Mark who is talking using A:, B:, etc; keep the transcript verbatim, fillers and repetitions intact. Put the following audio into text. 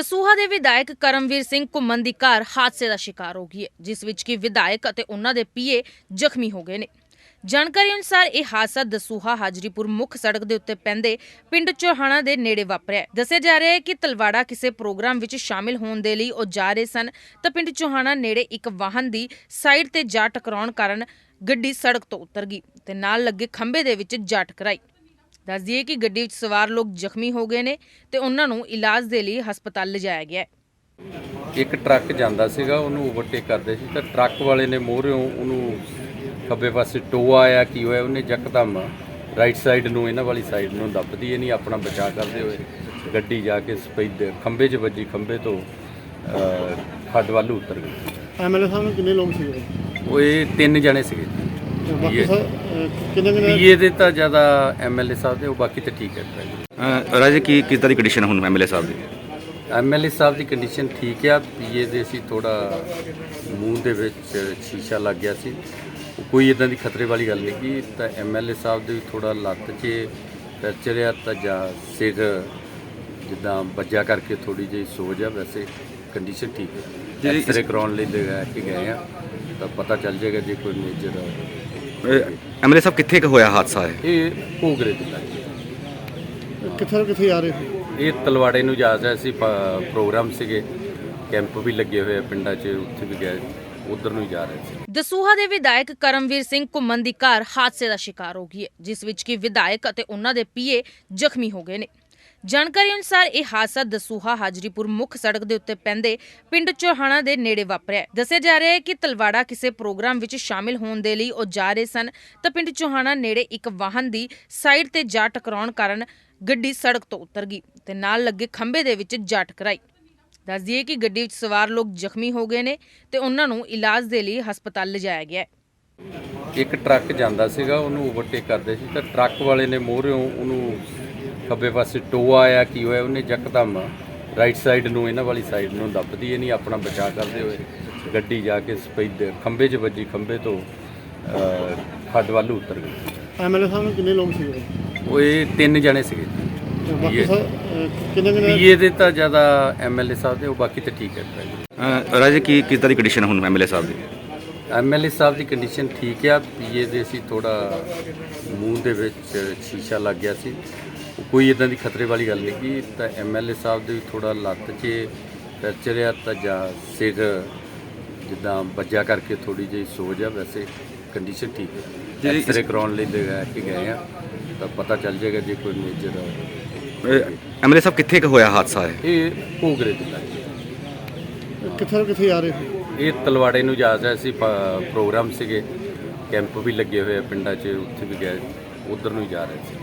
A: ਦਸੂਹਾ ਦੇ ਵਿਧਾਇਕ ਕਰਮਵੀਰ ਸਿੰਘ ਘੁੰਮਣ ਦੀ ਕਾਰ ਹਾਦਸੇ ਦਾ ਸ਼ਿਕਾਰ ਹੋ ਗਈ ਹੈ, ਜਿਸ ਵਿੱਚ ਕਿ ਵਿਧਾਇਕ ਅਤੇ ਉਹਨਾਂ ਦੇ ਪੀਏ ਜ਼ਖਮੀ ਹੋ ਗਏ ਨੇ। ਜਾਣਕਾਰੀ ਅਨੁਸਾਰ ਇਹ ਹਾਦਸਾ ਦਸੂਹਾ ਹਾਜਰੀਪੁਰ ਮੁੱਖ ਸੜਕ ਦੇ ਉੱਤੇ ਪੈਂਦੇ ਪਿੰਡ ਚੋਹਾਣਾ ਦੇ ਨੇੜੇ ਵਾਪਰਿਆ। ਦੱਸਿਆ ਜਾ ਰਿਹਾ ਹੈ ਕਿ ਤਲਵਾੜਾ ਕਿਸੇ ਪ੍ਰੋਗਰਾਮ ਵਿੱਚ ਸ਼ਾਮਿਲ ਹੋਣ ਦੇ ਲਈ ਉਹ ਜਾ ਰਹੇ ਸਨ ਤਾਂ ਪਿੰਡ ਚੋਹਾਣਾ ਨੇੜੇ ਇੱਕ ਵਾਹਨ ਦੀ ਸਾਈਡ ਤੇ ਜਾ ਟਕਰਾਉਣ ਕਾਰਨ ਗੱਡੀ ਸੜਕ ਤੋਂ ਉਤਰ ਗਈ ਤੇ ਨਾਲ ਲੱਗੇ ਖੰਭੇ ਦੇ ਵਿੱਚ ਜਾ ਟਕਰਾਈ। ਦੱਸ ਦਈਏ ਕਿ ਗੱਡੀ ਵਿੱਚ ਸਵਾਰ ਲੋਕ ਜ਼ਖਮੀ ਹੋ ਗਏ ਨੇ ਤੇ ਉਹਨਾਂ ਨੂੰ ਇਲਾਜ ਦੇ ਲਈ ਹਸਪਤਾਲ ਲਿਜਾਇਆ ਗਿਆ ਹੈ।
B: ਇੱਕ ਟਰੱਕ ਜਾਂਦਾ ਸੀਗਾ, ਉਹਨੂੰ ਓਵਰਟੇਕ ਕਰਦੇ ਸੀ ਤਾਂ ਟਰੱਕ ਵਾਲੇ ਨੇ ਮੋਹਰਿਓਂ ਉਹਨੂੰ ਖੱਬੇ ਪਾਸੇ ਟੋਆ ਆਇਆ, ਕੀ ਹੋਇਆ ਉਹਨੇ ਯਕਦਮ ਰਾਈਟ ਸਾਈਡ ਨੂੰ ਇਹਨਾਂ ਵਾਲੀ ਸਾਈਡ ਨੂੰ ਦੱਬਦੀ ਨਹੀਂ ਆਪਣਾ ਬਚਾਅ ਕਰਦੇ ਹੋਏ ਗੱਡੀ ਜਾ ਕੇ ਸਪੈਦ ਖੰਭੇ 'ਚ ਵੱਜੀ, ਖੰਭੇ ਤੋਂ ਖੱਡ ਵੱਲ ਉਤਰ ਗਈ।
C: ਐਮਐਲਏ ਸਾਹਿਬ ਨੂੰ ਕਿੰਨੇ ਲੋਕ ਸੀਗੇ?
B: ਉਹ ਇਹ ਤਿੰਨ ਜਣੇ ਸੀਗੇ।
C: ਬਾਕੀ ਸਰ ਕਿੰਨੇ ਕਿੰਨੇ
B: ਪੀਏ ਦੇ ਤਾਂ ਜ਼ਿਆਦਾ ਐਮਐਲਏ ਸਾਹਿਬ ਦੇ, ਉਹ ਬਾਕੀ ਤਾਂ ਠੀਕ ਹੈ।
D: ਰਾਜੇ ਕੀ ਕਿਸ ਤਰ੍ਹਾਂ ਦੀ ਕੰਡੀਸ਼ਨ ਹੁਣ ਐਮਐਲਏ ਸਾਹਿਬ ਦੀ?
B: ਐਮਐਲਏ ਸਾਹਿਬ ਦੀ ਕੰਡੀਸ਼ਨ ਠੀਕ ਆ। ਪੀਏ ਦੇ ਸੀ ਥੋੜਾ ਮੂੰਹ ਦੇ ਵਿੱਚ ਸ਼ੀਸ਼ਾ ਲੱਗ ਗਿਆ ਸੀ, ਕੋਈ ਇਦਾਂ ਦੀ ਖਤਰੇ ਵਾਲੀ ਗੱਲ ਨਹੀਂ ਕੀ। ਤਾਂ ਐਮਐਲਏ ਸਾਹਿਬ ਦੇ ਵੀ ਥੋੜਾ ਲੱਤ 'ਚ ਫ੍ਰੈਕਚਰ ਆ ਤਾਂ ਜਾਂ ਸਿਰ ਜਿੱਦਾਂ ਵੱਜਿਆ ਕਰਕੇ ਥੋੜੀ ਜਿਹੀ ਸੋਜ ਆ, ਵੈਸੇ ਕੰਡੀਸ਼ਨ ਠੀਕ ਹੈ। ਐਕਸਰੇ ਕਰਾਉਣ ਲਈ ਲਗਾ ਕੇ ਗਏ ਆ ਤਾਂ ਪਤਾ ਚੱਲ ਜਾਏਗਾ ਜੇ ਕੋਈ ਮੇਜਰ।
D: ਐਮਐਲਏ ਸਾਹਿਬ ਕਿੱਥੇ ਕੁ ਹੋਇਆ ਹਾਦਸਾ ਹੈ?
B: ਇਹ ਭੋਗਰੇ ਦੇ ਲਾਗੇ।
C: ਕਿੱਥੇ ਕਿੱਥੇ ਆ ਰਹੇ ਸੀ?
B: ਇਹ ਤਲਵਾੜੇ ਨੂੰ ਜਾ ਰਿਹਾ ਸੀ, ਪ੍ਰੋਗਰਾਮ ਸੀਗੇ, ਕੈਂਪ ਵੀ ਲੱਗੇ ਹੋਏ ਆ ਪਿੰਡਾਂ 'ਚ, ਉੱਥੇ ਵੀ ਗਏ, ਉਧਰ ਨੂੰ ਹੀ ਜਾ ਰਹੇ ਸੀ।
A: ਦਸੂਹਾ ਦੇ ਵਿਧਾਇਕ ਕਰਮਵੀਰ ਸਿੰਘ ਘੁੰਮਣ ਦੀ ਕਾਰ ਹਾਦਸੇ ਦਾ ਸ਼ਿਕਾਰ ਹੋ ਗਈ ਹੈ, ਜਿਸ ਵਿੱਚ ਕਿ ਵਿਧਾਇਕ ਅਤੇ ਉਹਨਾਂ ਦੇ ਪੀਏ ਜ਼ਖਮੀ ਹੋ ਗਏ ਨੇ। ਜਾਣਕਾਰੀ ਅਨੁਸਾਰ ਇਹ ਹਾਦਸਾ ਦਸੂਹਾ ਹਾਜਰੀਪੁਰ ਮੁੱਖ ਸੜਕ ਦੇ ਉੱਤੇ ਪੈਂਦੇ ਪਿੰਡ ਚੋਹਾਣਾ ਦੇ ਨੇੜੇ ਵਾਪਰਿਆ। ਦੱਸਿਆ ਜਾ ਰਿਹਾ ਹੈ ਕਿ ਤਲਵਾੜਾ ਕਿਸੇ ਪ੍ਰੋਗਰਾਮ ਵਿੱਚ ਸ਼ਾਮਿਲ ਹੋਣ ਦੇ ਲਈ ਉਹ ਜਾ ਰਹੇ ਸਨ ਤਾਂ ਪਿੰਡ ਚੋਹਾਣਾ ਨੇੜੇ ਇੱਕ ਵਾਹਨ ਦੀ ਸਾਈਡ ਤੇ ਜਾ ਟਕਰਾਉਣ ਕਾਰਨ ਗੱਡੀ ਸੜਕ ਤੋਂ ਉਤਰ ਗਈ ਤੇ ਨਾਲ ਲੱਗੇ ਖੰਭੇ ਦੇ ਵਿੱਚ ਜਾ ਟਕਰਾਈ। ਦੱਸ ਦਈਏ ਕਿ ਗੱਡੀ ਵਿੱਚ ਸਵਾਰ ਲੋਕ ਜ਼ਖਮੀ ਹੋ ਗਏ ਨੇ ਤੇ ਉਹਨਾਂ ਨੂੰ ਇਲਾਜ ਦੇ ਲਈ ਹਸਪਤਾਲ ਲਿਜਾਇਆ ਗਿਆ ਹੈ।
B: ਇੱਕ ਟਰੱਕ ਜਾਂਦਾ ਸੀਗਾ, ਉਹਨੂੰ ਓਵਰਟੇਕ ਕਰਦੇ ਸੀ ਤਾਂ ਟਰੱਕ ਵਾਲੇ ਨੇ ਮੋਹਰਿਓਂ ਉਹਨੂੰ ਖੱਬੇ ਪਾਸੇ ਟੋਆ ਆਇਆ, ਕੀ ਹੋਇਆ ਉਹਨੇ ਯਕਦਮ ਰਾਈਟ ਸਾਈਡ ਨੂੰ ਇਹਨਾਂ ਵਾਲੀ ਸਾਈਡ ਨੂੰ ਦੱਬਦੀ ਨਹੀਂ ਆਪਣਾ ਬਚਾਅ ਕਰਦੇ ਹੋਏ ਗੱਡੀ ਜਾ ਕੇ ਸਪੈਦ ਖੰਭੇ 'ਚ ਵੱਜੀ, ਖੰਭੇ ਤੋਂ ਖੱਡ ਵੱਲ ਉਤਰ ਗਈ।
C: ਐਮਐਲਏ ਸਾਹਿਬ ਨੂੰ ਕਿੰਨੇ ਲੋਕ ਸੀਗੇ?
B: ਉਹ ਇਹ ਤਿੰਨ ਜਣੇ ਸੀਗੇ।
C: ਬਾਕੀ ਸਰ ਕਿੰਨੇ ਕਿੰਨੇ
B: ਪੀਏ ਦੇ ਤਾਂ ਜ਼ਿਆਦਾ ਐਮਐਲਏ ਸਾਹਿਬ ਦੇ, ਉਹ ਬਾਕੀ ਤਾਂ ਠੀਕ ਹੈ।
D: ਰਾਜੇ ਕੀ ਕਿਸ ਤਰ੍ਹਾਂ ਦੀ ਕੰਡੀਸ਼ਨ ਹੁਣ ਐਮਐਲਏ ਸਾਹਿਬ ਦੀ?
B: ਐਮਐਲਏ ਸਾਹਿਬ ਦੀ ਕੰਡੀਸ਼ਨ ਠੀਕ ਆ। ਪੀਏ ਦੇ ਸੀ ਥੋੜਾ ਮੂੰਹ ਦੇ ਵਿੱਚ ਸ਼ੀਸ਼ਾ ਲੱਗ ਗਿਆ ਸੀ, ਕੋਈ ਇਦਾਂ ਦੀ ਖਤਰੇ ਵਾਲੀ ਗੱਲ ਨਹੀਂ ਕੀ। ਤਾਂ ਐਮਐਲਏ ਸਾਹਿਬ ਦੇ ਵੀ ਥੋੜਾ ਲੱਤ 'ਚ ਫ੍ਰੈਕਚਰ ਆ ਤਾਂ ਜਾਂ ਸਿਰ ਜਿੱਦਾਂ ਵੱਜਿਆ ਕਰਕੇ ਥੋੜੀ ਜਿਹੀ ਸੋਜ ਆ, ਵੈਸੇ ਕੰਡੀਸ਼ਨ ਠੀਕ ਹੈ। ਐਕਸਰੇ ਕਰਾਉਣ ਲਈ ਲਗਾ ਕੇ ਗਏ ਆ ਤਾਂ ਪਤਾ ਚੱਲ ਜਾਏਗਾ ਜੇ ਕੋਈ ਮੇਜਰ।
D: ਐਮਐਲਏ ਸਾਹਿਬ ਕਿੱਥੇ ਕੁ ਹੋਇਆ ਹਾਦਸਾ ਹੈ?
B: ਇਹ ਭੋਗਰੇ ਦੇ ਲਾਗੇ।
C: ਕਿੱਥੇ ਕਿੱਥੇ ਆ ਰਹੇ ਸੀ?
B: ਇਹ ਤਲਵਾੜੇ ਨੂੰ ਜਾ ਰਿਹਾ ਸੀ, ਪ੍ਰੋਗਰਾਮ ਸੀਗੇ, ਕੈਂਪ ਵੀ ਲੱਗੇ ਹੋਏ ਆ ਪਿੰਡਾਂ 'ਚ, ਉੱਥੇ ਵੀ ਗਏ, ਉਧਰ ਨੂੰ ਹੀ ਜਾ ਰਹੇ ਸੀ।